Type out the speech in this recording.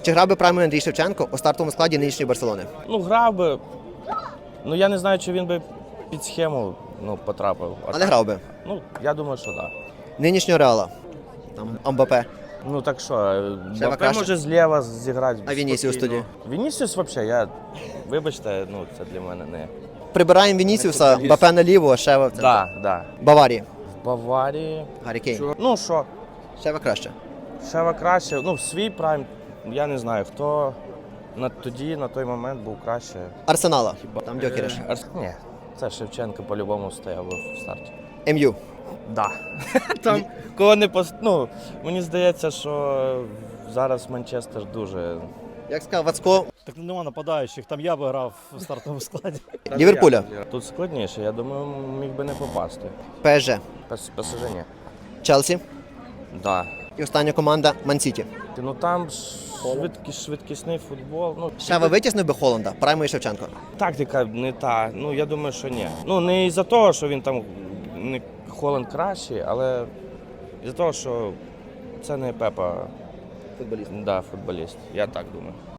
Чи грав би правильно Андрій Шевченко у стартовому складі нинішньої Барселони? Ну, грав би. Ну, я не знаю, чи він би під схему потрапив. Але грав би. Ну, я думаю, що так. Нинішнього Реала. Там Амбапе. Ну, так що, Ще Мбаппе краще. може зліва зіграти. А Вінісіус спокійно. тоді? Вінісіус взагалі, вибачте, це для мене не... Прибираємо Вінісіуса, Мбапе наліво, а Шева в центр. Да. Баварії. В Баварії... Гаррі Кейн. Ну, що? Шева краще. Шева краще, в свій прайм, я не знаю, хто тоді, на той момент був краще. Арсенала. Там Дьокереш. Ні, це Шевченко по-любому стояв би в старті. МЮ. Да. Там кого не мені здається, що зараз Манчестер дуже... Як сказав Вацко, Так нема нападаючих, там я би грав в стартовому складі. Ліверпуля. Тут складніше, я думаю, міг би не попасти. ПСЖ. ПСЖ ні. Челсі. Да. І остання команда Ман-Сіті. Ну там швидкісний футбол. Шева витіснив би Холланда, Праймо і Шевченко. Тактика не та. Я думаю, що ні. Не із-за того, що він там Холланд кращий, але із-за того, що це не Пепа. Футболіст. Да, футболіст. Я так думаю.